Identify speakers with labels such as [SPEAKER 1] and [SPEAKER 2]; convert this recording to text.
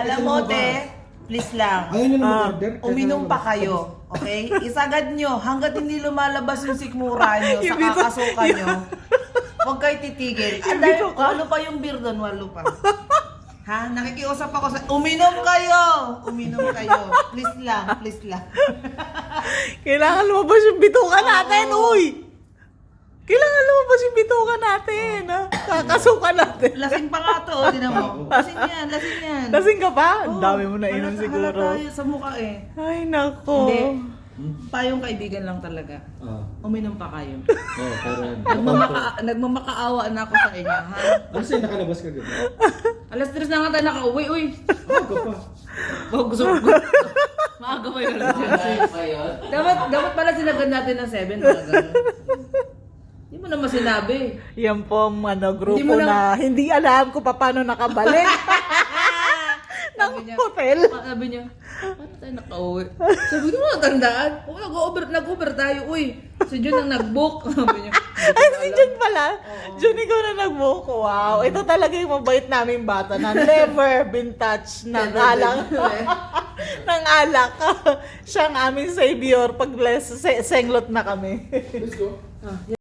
[SPEAKER 1] Alam mo, te, please lang.
[SPEAKER 2] Ayaw nyo na mag-order?
[SPEAKER 1] Uminom pa kayo, okay? Isagad nyo hanggat hindi lumalabas yung sikmura nyo sa
[SPEAKER 3] Yung bito-
[SPEAKER 1] kakasuka nyo. Huwag kayo titigil.
[SPEAKER 3] Yung
[SPEAKER 1] Ang dami,
[SPEAKER 3] bito ka?
[SPEAKER 1] walo pa yung beer doon, walo pa. Ha? Nakikiusap ako sa... Uminom kayo! Uminom kayo. Please lang, please lang.
[SPEAKER 3] Kailangan lumabas yung bituka natin,
[SPEAKER 1] Oo.
[SPEAKER 3] uy! Kailangan lumabas yung bituka natin, ha? Kakasuka natin.
[SPEAKER 1] Lasing pa nga to, di na mo. Lasing yan, lasing yan.
[SPEAKER 3] Lasing ka pa? Ang
[SPEAKER 1] Oo,
[SPEAKER 3] dami mo na inom
[SPEAKER 1] halata-
[SPEAKER 3] siguro.
[SPEAKER 1] halata yun sa mukha eh.
[SPEAKER 3] Ay, nako.
[SPEAKER 1] Hindi. Payong kaibigan lang talaga. Uminom pa kayo.
[SPEAKER 2] Oo, pero...
[SPEAKER 1] Nagmamakaawa na ako sa inyo, ha?
[SPEAKER 2] Ano sa'yo nakalabas ka gano'n?
[SPEAKER 1] Alas 3 na nga tayo nakauwi, uy.
[SPEAKER 2] Aga pa.
[SPEAKER 1] Oh, gusto ko. Maaga pa yun. Dapat pala sinagad natin ng 7 talaga. Hindi mo naman sinabi.
[SPEAKER 3] Yan po ang grupo
[SPEAKER 1] Hindi mo
[SPEAKER 3] na hindi alam kung paano nakabalik ng
[SPEAKER 1] Sabi niya,
[SPEAKER 3] hotel.
[SPEAKER 1] Sabi niya, paano tayo nakauwi? Sabi ko, natandaan. Oo, nag-Uber tayo, uy. Si Jun ang nag-book. Sabi niya,
[SPEAKER 3] Ay, si Jun pala. Jun, ikaw na nag-book. Wow. Ito talaga yung mabait naming bata na never been touched ng alak. ng alak. Siya ang aming savior pag senglot na kami.
[SPEAKER 2] Let's go.